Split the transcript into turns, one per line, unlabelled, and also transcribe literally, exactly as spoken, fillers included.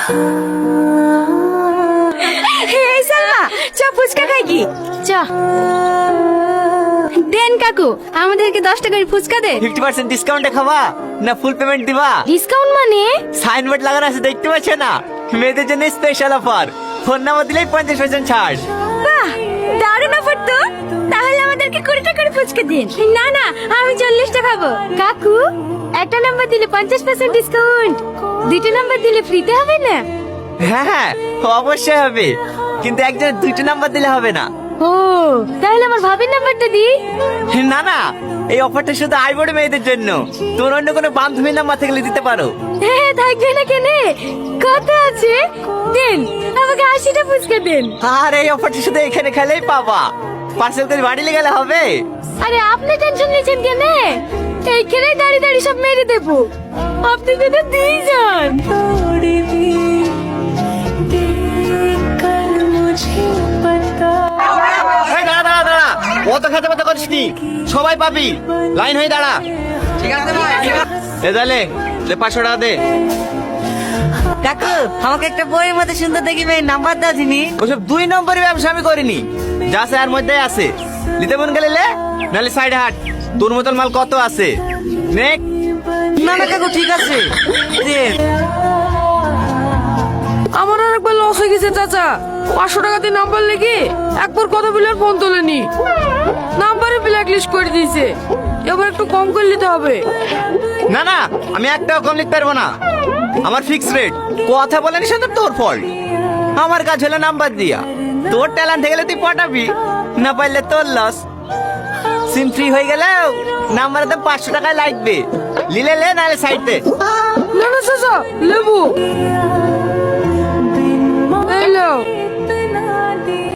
এই সালমা চ ফুচকা খাই কি চ দেন কাকু আমাদেরকে দশ টাকার ফুচকা দে।
ফিফটি পার্সেন্ট ডিসকাউন্টে খাবা না ফুল পেমেন্ট দিবা?
ডিসকাউন্ট মানে?
সাইনবোর্ড লাগানো আছে দেখতে পাচ্ছ না, মেয়েদের জন্য স্পেশাল অফার। ফোন নাম্বার দিলেই পঞ্চাশ পার্সেন্ট ছাড়।
বাহ দারুণ অফার তো। তাহলে আমাদেরকে কুড়ি টাকার ফুচকা দিন। না না আমি চল্লিশটা খাবো। কাকু একটা নাম্বার দিলে পঞ্চাশ পার্সেন্ট ডিসকাউন্ট, দুইটা নাম্বার দিলে ফ্রিতে হবে না?
হ্যাঁ হ্যাঁ অবশ্যই হবে, কিন্তু একজনের দুইটা নাম্বার দিলে হবে না।
ও তাহলে আমার ভাবির নাম্বারটা দি।
না না এই অফারটা শুধু আইবড় মেয়েদের জন্য, তোর অন্য কোনো বান্ধবীর নাম্বার থেকে দিতে পারো।
হ্যাঁ থাকবে না কেনে, কত আছে দেন, আমাকে আশিটা ফুচকা দেন।
আর এই অফারটা শুধু এখানে খেলেই পাবা, পার্সেল করে বাড়ি নিয়ে গেলে হবে।
আরে আপনি টেনশন নিয়েছেন কেনে, এইখানে দাঁড়িয়ে দাঁড়িয়ে সব মেরে দেবো, আপনি যেটা দিয়ে যান।
এই দাঁড়া দাঁড়া দাঁড়া, অত খেতে পাতে করিস নি, সবাই পাবি, লাইন হয়ে দাঁড়া। ঠিক আছে ভাই। এ তাহলে লে পাঁচশো টাকা দে।
কাকু আমাকে একটা বইয়ের মধ্যে সুন্দর দেখিবে নাম্বার দাও তিনি।
ওসব দুই নম্বরের ব্যবসা আমি করিনি, যা আছে আর মধ্যে আছে, নিতে মন গেলে লে, নাহলে সাইডে হাট, তোর মতন মাল কত আছে নেক।
না না কাকু ঠিক আছে দে।
আমার আর একবার লস হয়ে গেছে চাচা, পাঁচশো টাকা দিয়ে নাম্বার লেগে একবার কথা বলে আর ফোন তোলেনি, নাম্বারে ব্ল্যাক লিস্ট করে দিয়েছে, এবার একটু কম করে নিতে হবে।
না না আমি একটাও কম লিখতে পারবো না, আমার ফিক্স রেট। কথা বলেন সেটা তোর ফল্ট, আমার কাজ হলো নাম্বার দিয়া, তোর ট্যালেন্ট গেলে তুই পটাবি, না পারলে তোর লস। সিম ফ্রি হয়ে গেলেও নাম্বারে তো পাঁচশো টাকায় লাগবে, লিলে লে নাহলে সাইডে।
না না চাচা লেবু এই নাও।